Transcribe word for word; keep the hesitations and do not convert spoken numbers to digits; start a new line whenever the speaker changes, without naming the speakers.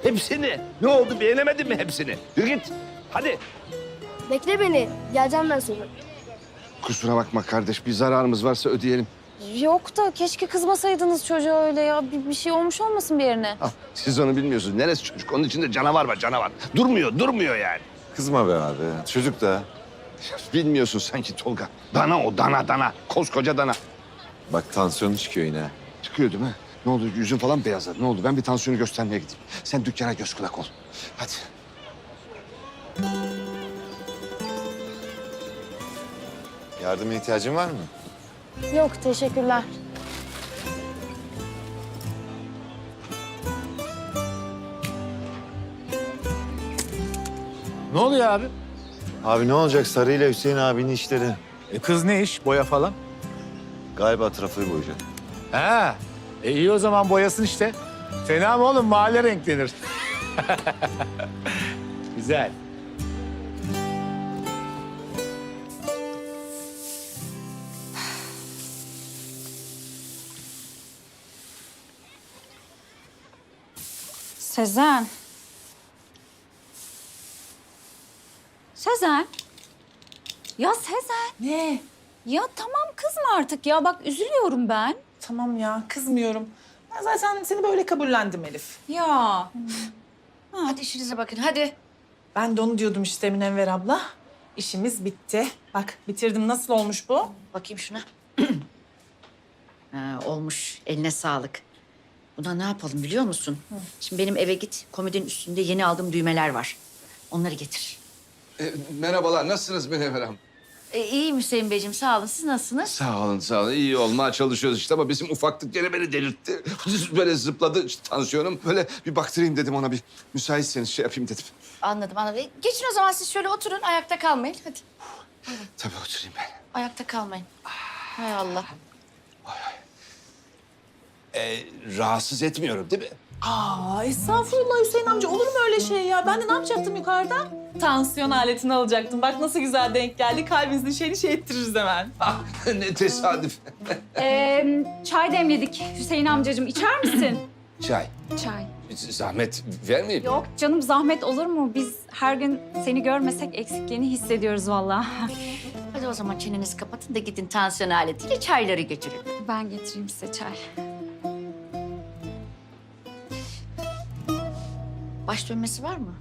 Hepsini. Ne oldu, beğenemedin mi hepsini? Yürü git. Hadi.
Bekle beni. Geleceğim ben sonra.
Kusura bakma kardeş, bir zararımız varsa ödeyelim.
Yok da keşke kızmasaydınız çocuğa öyle ya. Bir, bir şey olmuş olmasın bir yerine.
Ah, siz onu bilmiyorsunuz. Neresi çocuk? Onun içinde canavar var, canavar. Durmuyor, durmuyor yani.
Kızma be abi. Çocuk da.
Bilmiyorsun sanki Tolga. Dana o, dana dana. Koskoca dana.
Bak tansiyonu çıkıyor yine.
Çıkıyor değil mi? Ne oldu, yüzün falan beyazladı. Ne oldu? Ben bir tansiyonu göstermeye gideyim. Sen dükkana göz kulak ol. Hadi.
Yardıma ihtiyacın var mı?
Yok teşekkürler.
Ne oluyor abi?
Abi ne olacak Sarı ile Hüseyin abinin işleri?
E kız ne iş? Boya falan?
Galiba trafoyu boyayacak.
Ha, e iyi o zaman boyasın işte. Fena mı oğlum? Mahalle renklenir. Güzel.
Sezen. Sezen. Ya Sezen.
Ne?
Ya tamam kızma artık ya. Bak üzülüyorum ben.
Tamam ya, kızmıyorum. Ben zaten seni böyle kabullendim Elif.
Ya.
Hadi işinize bakın, hadi.
Ben de onu diyordum işte Münevver abla. İşimiz bitti. Bak bitirdim. Nasıl olmuş bu?
Bakayım şuna. Ha, olmuş, eline sağlık. Buna ne yapalım biliyor musun? Şimdi benim eve git, komodinin üstünde yeni aldığım düğmeler var. Onları getir.
E, merhabalar, nasılsınız Münevver Hanım?
E, iyiyim Hüseyin Beyciğim, sağ olun. Siz nasılsınız?
Sağ olun, sağ olun. İyi olmaya çalışıyoruz işte ama bizim ufaklık gene beni delirtti. Böyle zıpladı tansiyonum. Böyle bir baktırayım dedim ona bir. Müsaitseniz şey yapayım dedim.
Anladım, anladım. E, geçin o zaman siz şöyle oturun, ayakta kalmayın. Hadi,
Tabii oturayım ben.
ayakta kalmayın. Hay Allah.
E, rahatsız etmiyorum değil mi?
Aa estağfurullah Hüseyin amca. Olur mu öyle şey ya? Ben de ne yapacaktım yukarıda? Tansiyon aletini alacaktım. Bak nasıl güzel denk geldi. Kalbinizin şeyini şey ettiririz hemen.
Ah, ne tesadüf.
Ee, çay demledik. Hüseyin amcacığım içer misin?
Çay.
Çay.
Zahmet vermeyeyim.
Yok canım zahmet olur mu? Biz her gün seni görmesek eksikliğini hissediyoruz vallahi.
Hadi o zaman çenenizi kapatın da gidin tansiyon aletiyle çayları götürün.
Ben getireyim size çay.
Baş dönmesi var mı?